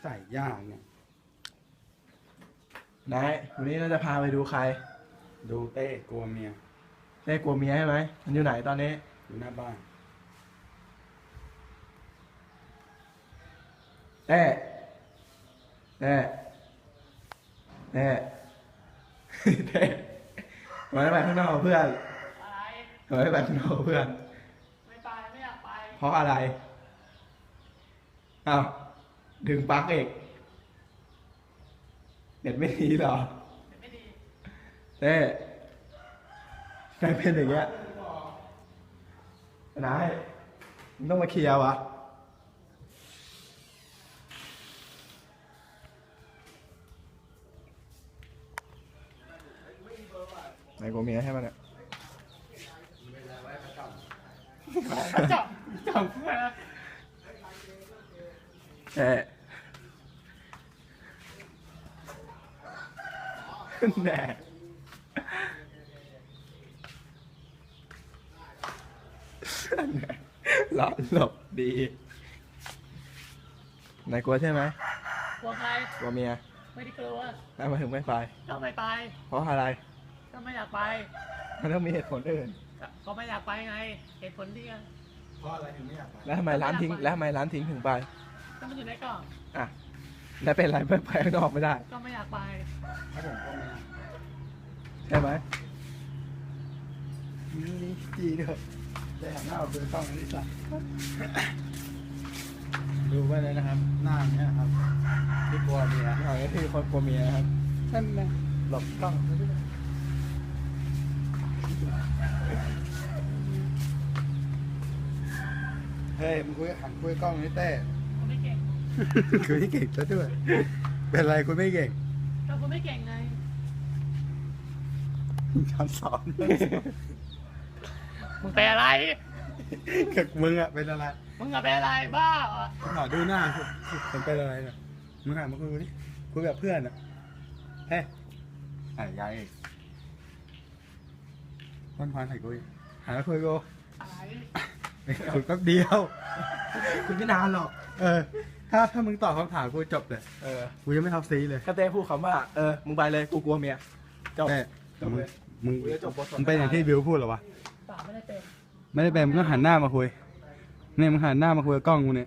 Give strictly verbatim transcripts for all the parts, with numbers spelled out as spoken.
ใส่ยากเนี่ยนายวันนี้เราจะพาไปดูใครดูเต้กลัวเมียเต้กลัวเมียใช่ไหมมันอยู่ไหนตอนนี้อยู่หน้าบ้านเต้เต้เต้เต้ทำไมไม่ไปข้างนอกกับเพื่อนอะไรทำไมไม่ไปข้างนอกกับเพื่อนไม่ไปไม่อยากไปเพราะอะไรอ้าวดึงปลั๊กเอกเน็ตไม่ดีเหรอไม่ดีเต้นายเป็นอย่างเงี้ยนายมึงต้องมาเคลียร์วะนายกลัวเมียใช่ไหมเนี่ยจับจับเอ๊ะแน่หลบหลบดีนายกลัวใช่ไหมกลัวใครกลัวเมียไม่ได้กลัวแล้วมาถึงไม่ไปก็ไม่ไปเพราะอะไรก็ไม่อยากไปมันต้องมีเหตุผลอื่นก็ก็ไม่อยากไปไงเหตุผลที่เพราะอะไรถึงไม่อยากไปแล้วทำไมร้านทิ้ง แล้วทำไมร้านทิ้งถึงไปก็มันอยู่ในกล่องอ่ะ แล้วเป็นไรไม่ไปข้างนอกไม่ได้ก็ไม่อยากไปถ้าผมก็ไม่อยากใช่ไหมนี่จีเถอะได้หันหน้ามาเป็นกล้องนี่สัตว์ดูไว้เลยนะครับ หน้าเนี้ยครับที่กลัวเมียหน่อยก็คือคนกลัวเมียครับนั่นนะหลบกล้องเฮ้ยมึงคุยหันคุยกล้องนี่เต้ผมไม่เก่งคุยไม่เก่งซะด้วย เป็นไรคุยไม่เก่งก็ผมไม่เก่งไงคำสอนมึงเป็นอะไรกับมึงอะเป็นอะไรมึงอะเป็นอะไรบ้าเหรอขอดูหน้าผมเป็นอะไรเนี่ยมึงหันมาคุยดิคุยแบบเพื่อนอะเฮ้ยไอ้ยายเอกวันพานใส่กูอีกหันมาคุยกูอะไรคุยแป๊บเดียวคุณไม่นานหรอกเออ ถ้าถ้ามึงตอบคำถามกูจบเลยเออกูยังไม่ทับซีเลยก็เต้พูดคำว่า เออ มึงไปเลย กูกลัวเมียจบเต้จบมึงเลยมึงกูจะจบบทสนทนามึงเป็นอย่างที่บิวพูดเหรอวะเปล่าไม่ได้เป็นไม่ได้เป็นมึงก็หันหน้ามาคุยเนี่ยมึงหันหน้ามาคุยกับกล้องกูเนี่ย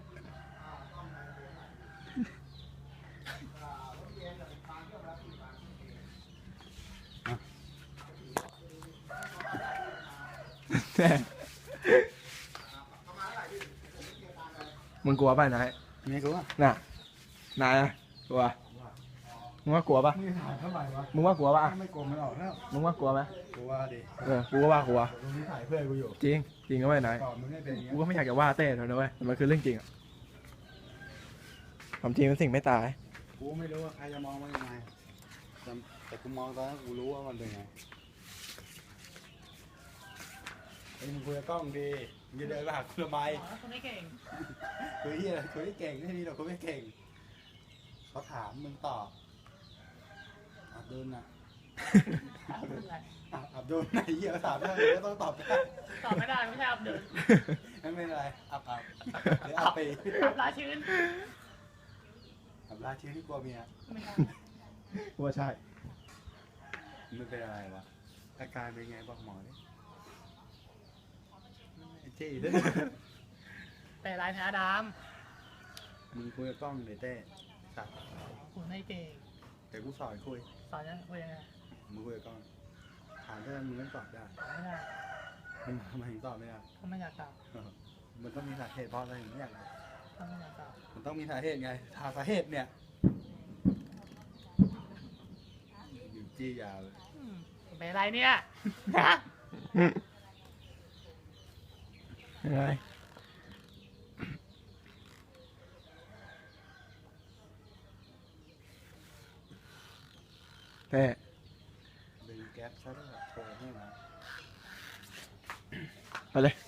แน่มึงกลัวป่ะนายไม่รู้อ่ะน่ะ นายอะกลัว มึงว่ากลัวป่ะมึงถามเท่าไหร่วะมึงว่ากลัวป่ะถ้าไม่โกงมันออกแล้วมึงว่ากลัวไหมกูว่าดิเออ กูก็ว่ากลัวตรงนี้ถ่ายเพื่อนกูอยู่จริง จริงก็ไม่นายตอบมึงไม่เป็นอย่างเงี้กูยก็ไม่อยากจะว่าเต้เท่านั้นเว้ยแต่มันคือเรื่องจริงอะความจริงเป็นสิ่งไม่ตายกูไม่รู้ว่าใครจะมองมันยังไงแต่แต่กูมองตอนนั้นกูรู้ว่ามันเป็นไงไอ้ยมึงคุยกับกล้องดีมึงจะเดินมาหากูทำไมบอกว่าคุณไม่เก่งคุยที่อะไรคุยไม่เก่งไม่มีหรอกคุยไม่เก่งเขาถามมึงตอบอับดุลนะอับดุลอะไรอ่ะอับดุลไหนเหี้ยเขาถามได้ก็ต้องตอบได้ตอบไม่ได้ไม่ใช่อับดุลไม่เป็นไรอับอับหรืออับไปอับลาชื้นอับลาชื่อที่กลัวเมียไม่ใช่กูว่าใช่มึงเป็นอะไรวะอาการเป็นไงบอกหมอดิไอ้จี้ด้วยเป็นอะไรนะดมึงคุยกับกล้องเลยเต้สัตว์ำคุณไม่เก่งเดี๋ยวกูสอนคุยสอนยังคุยยังไงมึงคุยกับกล้องถามได้มึงก็ตอบได้ตอบไม่ได้มึงทำไมถึงตอบไม่ได้ก็ไม่อยากตอบมันต้องมีสาเหตุเพราะอะไรถึงไม่อยากได้ก็ไม่อยากตอบมันต้องมีสาเหตุไงถ้าสาเหตุเนี่ยอยู่จี้ยาวเลยอืมเป็นอะไรเนี่ยฮะยังไงเต้ดึงแก๊ปซะด้วยโทรให้มาไปเลย